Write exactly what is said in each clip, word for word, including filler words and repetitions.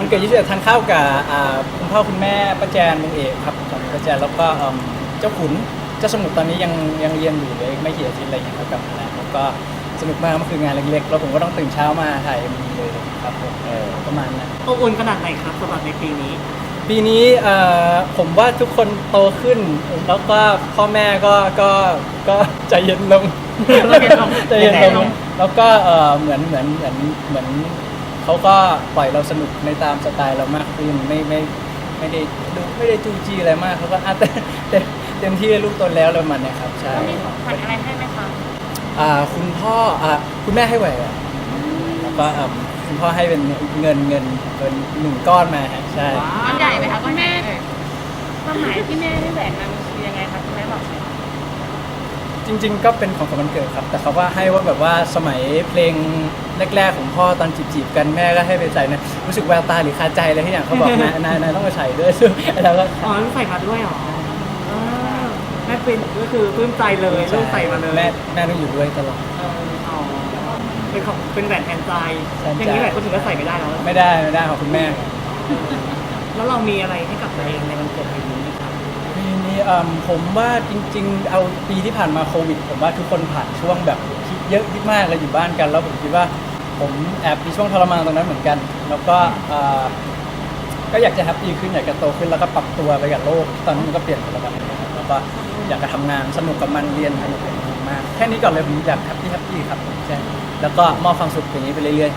วันเกิดยี่สิบเอ็ดทานข้าวกับอ่าคุณพ่อคุณแม่ป้าแจนลุงเอกครับสองป้าแจนแล้วก็เอิ่มเจ้าขุนเจ้าสมุทรตอนนี้ยังยังเรียนอยู่เลยไม่กี่อาทิตย์อะไรอย่างเงี้ยครับกลับมาแล้วแล้วก็สนุกมากมันคืองานเล็กๆแล้วผมก็ต้องตื่นเช้ามาถ่ายมีเลยครับผมเออประมาณนั้นอบอุ่นขนาดไหนครับสำหรับในปีนี้ปีนี้เอ่อผมว่าทุกคนโตขึ้นแล้วก็พ่อแม่ก็ก็ก็ใจเย็นลงใจเย็นลงใจเย็นลงแล้วก็เอ่อเหมือนเหมือนเหมือนเหมือนเขาก็ปล่อยเราสนุกในตามสไตล์เรามากขึ้นไม่ไม่ไม่ได้ดูไม่ได้จู้จี้อะไรมากเขาก็อ่ะเต็มเต็มเต็มที่ลูกโตแล้วแล้วมันเนี่ยครับใช่มีของขวัญอะไรให้ไหมคะอ่าคุณพ่ออ่าคุณแม่ให้แหวนแล้วก็อ่าคุณพ่อให้เป็นเงินเงินเป็นหนึ่งก้อนมาฮะใช่ก้อนใหญ่ไหมคะก้อนแม่ความหมายที่แม่ได้แหวนมามันคือยังไงคะคุณแม่บอกไหมจริงๆก็เป็นของขวัญวันเกิดครับแต่เขาว่าให้ว่าแบบว่าสมัยเพลงแรกๆของพ่อตอนจีบๆกันแม่ก็ให้ไปใส่นะรู้สึกแววตาหรือคาใจอะไรที่อย่างเขาบอก นายนายนายต้องไปใส่ด้วยซึ่งเราก็อ๋อลูกใส่มาด้วยเหรออ่าแม่เป็นก็คือปลื้มใจเลยลูกใส่มาเลยแม่แม่ต้องอยู่ด้วยตลอดเอออ๋อเป็นของเป็นแหวนแทนใจแทนใจอย่างนี้แหละคนอื่นก็ใส่ไม่ได้แล้วไม่ได้ไม่ได้ของคุณแม่แล้วเรามีอะไรให้กับตัวเองในวันเกิดปีนี้ไหมครับปีนี้เอิ่มผมว่าจริงๆเอาปีที่ผ่านมาโควิดผมว่าทุกคนผ่านช่วงแบบคิดเยอะคิดมากเลยอยู่บ้านกันแล้วผมคิดว่าผมแอบมีช่วงทรมานตรงนั้นเหมือนกัน แล้วก็เอ่อก็อยากจะแฮปปี้ขึ้นอยากจะโตขึ้นแล้วก็ปรับตัวไปกับโลกตอนนี้มันก็เปลี่ยนไปแล้วแบบนี้ครับแล้วก็อยากจะทำงานสนุกกับมันเรียนสนุกกับมันมากแค่นี้ก่อนเลยผมอยากแฮปปี้แฮปปี้ครับใช่แล้วก็มอบความสุขอย่างนี้ไปเรื่อย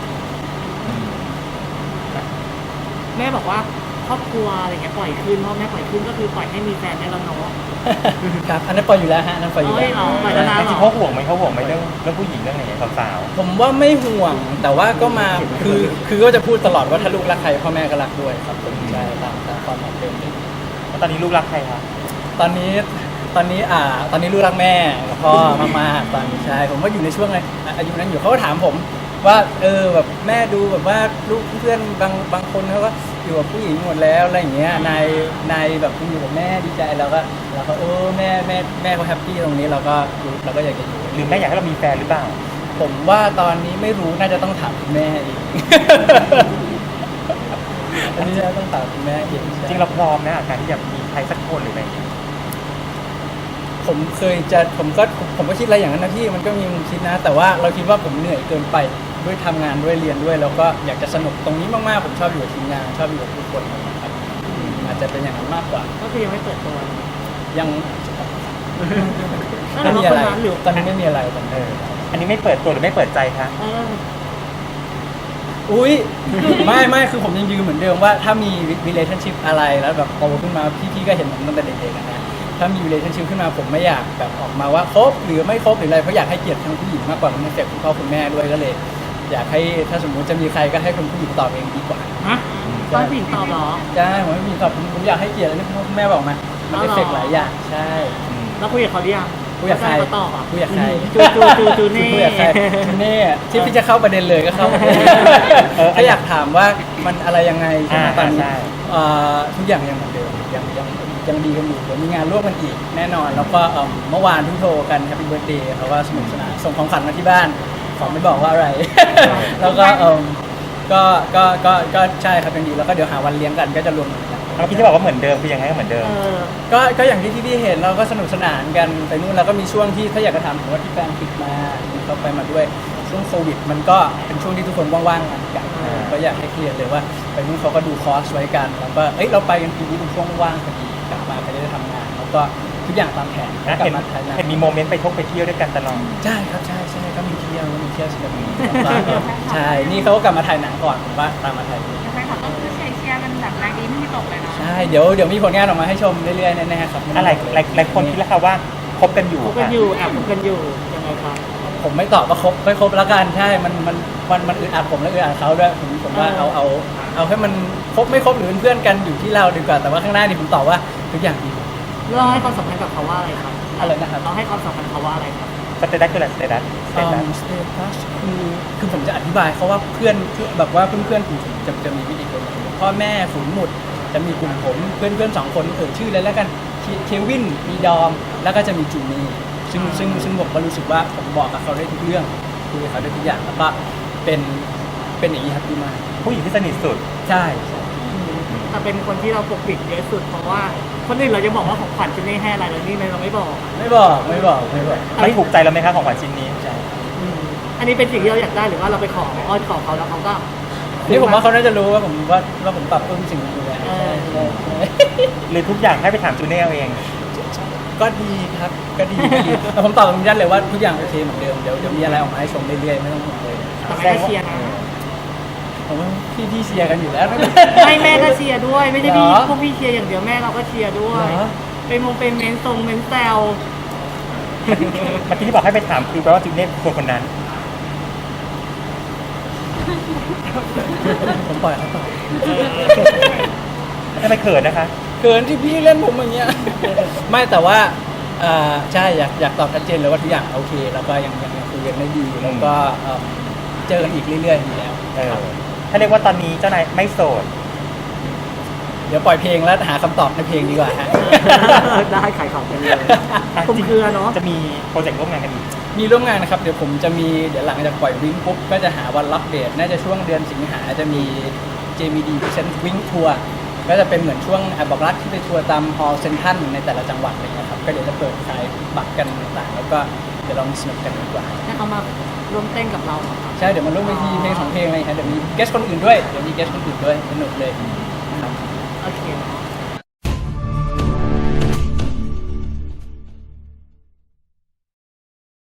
ๆแม่บอกว่าครอบครัวอะไรเงี้ยปล่อยขึ้นพ่อแม่ปล่อยขึ้นก็คือปล่อยให้มีแฟนได้แล้วเนาะครับอันนั้นปล่อยอยู่แล้วฮะอันนั้นปล่อยอยู่เอ้แล้ยว เหรอปล่อยแล้วนะจริงๆเขาห่วงไหมเขาห่วงไหมเรื่องเรื่องผู้หญิงเรื่องอะไรอย่างเงี้ยสาวผมว่าไม่ห่วงแต่ว่าก็มาคือคือก็จะพูดตลอดว่าถ้าลูกรักใครพ่อแม่ก็รักด้วยครับผมใช่ตามตามความเหมาะสมๆแล้วตอนนี้ลูกรักใครคะตอนนี้ตอนนี้อ่าตอนนี้ลูกรักแม่กับพ่อมากๆตอนนี้ใช่ผมว่าอยู่ในช่วงอายุนั้นอยู่เขาก็ถามผมว่าเออแบบแม่ดูแบบว่าลูกเพื่อนบางบางคนเขาก็อยู่กับผู้หญิงหมดแล้วอะไรอย่างเงี้ยนายนายแบบอยู่กับแม่ดีใจแล้วก็เราก็เออแม่แม่แม่เขาแฮปปี้ตรงนี้เราก็เราก็อยากจะอยู่หรือแม่อยากให้เรามีแฟนหรือเปล่าผมว่าตอนนี้ไม่รู้น่าจะต้องถามคุณแม่เอง อันนี้จะต้องถามคุณแม่เองจริงเราพร้อมนะกับการที่จะมีใครสักคนหรืออะไรอย่างเงี้ยผมเคยจะผมก็ผมก็คิดอะไรอย่างนั้นนะพี่มันก็มีมุมคิดนะ แต่ว่าเราคิดว่าผมเหนื่อยเกินไปด้วยทำงานด้วยเรียนด้วยแล้วก็อยากจะสนุกตรงนี้มากๆผมชอบอยู่กับทีมงานชอบอยู่กับทุกคนนะครับอาจจะเป็นอย่างนั้นมากกว่าก็คือยังไม่เปิดตัวยังแล้วไม่เรามีอะไรคนนั้นหรือตอนนี้ไม่มีอะไรตอนนี้อันนี้ไม่เปิดตัวหรือไม่เปิดใจคะเอออุ้ย ไม่ไม่คือผมยังยืนเหมือนเดิมว่าถ้ามี relationship อะไรแล้วแบบโตขึ้นมาพี่ๆก็เห็นผมตั้งแต่เด็กๆนะถ้ามี relationship ขึ้นมาผมไม่อยากแบบออกมาว่าคบหรือไม่คบหรืออะไรเพราะอยากให้เกียรติทั้งผู้หญิงมากกว่ามันเสียคุณพ่อคุณแม่ด้วยก็เลย อยากให้ถ้าสมมุติจะมีใครก็ให้คนผู้หญิงตอบเองดีกว่าฮะต้องผู้หญิงตอบเหรอใช่ผมไม่มีตอบผมผมอยากให้เกียรติอันนี้คุณพ่อคุณแม่บอกมามันอ๋อเอฟเหรอเฟกต์หลายอย่างใช่แล้วคุยกับเขาหรือยังคุยกับใครเขาตอบอ่ะคุยกับใครจูจูจูจูเน่คุยกับใครจูเน่ที่พี่จะเข้าประเด็นเลยก็เข้าประเด็นเออถ้าอยากถามว่ามันอะไรยังไงใช่ไหมอ่าตอนนี้ใช่เอ่อทุกอย่างยังเหมือนเดิมยังยังยังดีกันอยู่เดี๋ยวมีงานร่วมกันอีกแน่นอน แล้วก็เอิ่มเมื่อวานเพิ่งโทรกันแฮปปี้เบิร์ดเดย์เขาว่าสนุกสนานส่งของขวัญมาที่บ้านขอไม่บอกว่าอะไร แล้วก็เอิ่มก็ก็ก็ก็ใช่ครับยังดีแล้วก็เดี๋ยวหาวันเลี้ยงกันก็จะรวมกันแล้วพี่จะบอกว่าเหมือนเดิมคือยังไงก็เหมือนเดิมเออก็ก็อย่างที่พี่ๆเห็นเราก็สนุกสนานกันไปนู่นแล้วก็มีช่วงที่ถ้าอยากจะถามผมว่าที่แฟนปิดมาเขาไปมาด้วยช่วงโควิด มันก็เป็นช่วงที่ทุกคนว่างๆกันกันอ่าก็อยากให้เคลียร์เลยว่าไปนู่นเขาก็ดูคอร์สไว้กันแล้วก็เอ้ยเราไปกันปีนี้เป็นช่วงว่างพอดีกลับมาก็จะได้ทำงานแล้วก็ทุกอย่างตามแผนนะกลัเห็นมาไทยนะเห็นมีโมเมนต์ไปท่องไปเที่ยวด้วยกันตลอดใช่ครับใช่ใช่ก็มีเที่ยวก็มีเที่ยวสนุกแล้วก็ใช่นี่เขาก็กลับมาถ่ายหนังก่อนผมว่าตามมาถ่ายแฟนคลับก็คือเชียร์เชียร์กันแบบแรงดีไม่มีตกเลยเนาะใช่เดี๋ยวเดี๋ยวมีผลงานออกมาให้ชมเรื่อยๆแน่ๆครับอะไรหลายหลายคนคิดแล้วค่ะว่าคบกันอยู่คบกันอยู่แอบคบกันอยู่ยังไงครับผมไม่ตอบว่าครบไม่ครบแล้วกันใช่ มันมันมันมันอึดอัดผมและอึดอัดเขาด้วยผมผมว่าเอาเอาเอาให้มันครบไม่ครบหรือเป็นเพื่อนกันอยู่ที่เราดีกว่าแต่ว่าข้างหน้านี่ผมตอบว่าทุกอย่างดีเราให้ความสำคัญกับเขาว่าอะไรครับอะไรนะครับเราให้ความสำคัญเขาว่าอะไรครับสเตตัสคืออะไรสเตตัสสเตตัสสเตตัสคือคือผมจะอธิบายเขาว่าเพื่อนแบบว่าเพื่อนเพื่อนๆผมจะจะมีวิธีการพ่อแม่ฝูงหมุดจะมีกลุ่มผมเพื่อนเพื่อนสองคนเอ่ยชื่อเลยแล้วกันเควินมีดอมแล้วก็จะมีจูนี่ซึ่งซึ่งซึ่งผมก็รู้สึกว่าผมบอกกับเขาได้ทุกเรื่องคุยกับเขาได้ทุกอย่างแล้วก็เป็นเป็นอย่างนี้ครับดีมากผู้หญิงที่สนิทสุดใช่ใช่แต่เป็นคนที่เราปกปิดเยอะสุดเพราะว่าคนอื่นเราจะบอกว่าของขวัญชิ้นนี้ให้อะไรแล้วนี่เราไม่บอกไม่บอกไม่บอกไม่บอกไม่ถูกใจเราไหมคะของขวัญชิ้นนี้อืมอันนี้เป็นสิ่งที่เราอยากได้หรือว่าเราไปขออ้อนขอเขาแล้วเขาก็นี่ผมว่าเขาน่าจะรู้ว่าผมว่าว่าผมปรับปรุงสิ่งนี้อยู่แล้วเออใช่ใช่หรือทุกอย่างให้ไปถามจูเน่เอาเองก็ดีครับก็ดีก็ดีแต่ผมตอบตรงนี้เลยว่าทุกอย่างโอเคเหมือนเดิมเดี๋ยวเดี๋ยวมีอะไรออกมาให้ชมเรื่อยๆไม่ต้องห่วงเลยแต่แม่ก็เชียร์นะผมว่าพี่พี่เชียร์กันอยู่แล้วไม่แม่ก็เชียร์ด้วย ไม่ใช่พี่เหรอพวกพี่เชียร์อย่างเดียวแม่เราก็เชียร์ด้วยเหรอเป็นมงเป็นเมนทรงเมนแซวเมื่อกี้ที่บอกให้ไปถามคือแปลว่าจูเน่คือคนคนนั้นผมปล่อยเขาตอบทำไมเขินนะคะเกินที่พี่เล่นผมอย่างเงี้ย ไม่แต่ว่าเอ่อใช่อยากอยากตอบชัดเจนเลยว่าทุกอย่างโอเค แล้วก็ยังยังยังคุยกันได้ดีแล้วก็เอิ่มเจอกันอีกเรื่อยๆอยู่แล้วเออ ถ้าเรียกว่าตอนนี้เจ้านายไม่โสดเดี๋ยวปล่อยเพลงแล้วหาคำตอบในเพลงดีกว่าฮะได้ขายของกันเลยอ่ะคุมเครือเนาะจะมีโปรเจกต์ร่วมงานกันอีกมีร่วมงานนะครับ เดี๋ยวผมจะมีเดี๋ยวหลังจากปล่อยวิ่งปุ๊บก็จะหาวันรับเดทน่าจะช่วงเดือนสิงหาจะมี เจ บี ดี Present วิ่งทัวร์ก็จะเป็นเหมือนช่วงอ่ะบอกรักที่ไปทัวร์ตามฮอลล์เซ็นทรัลในแต่ละจังหวัดอะไรเงี้ยครับก็เดี๋ยวจะเปิดขายบัตรกันต่างๆแล้วก็เดี๋ยวลองสนุกกันดีกว่าให้เขามาร่วมเต้นกับเราเหรอครับใช่เดี๋ยวมาร่วมเวทีเพลงสองเพลงอะไรอย่างเงี้ยเดี๋ยวมีเกสคนอื่นด้วยเดี๋ยวมีเกสคนอื่นด้วยสนุกเลยนะครับโอเคเนาะ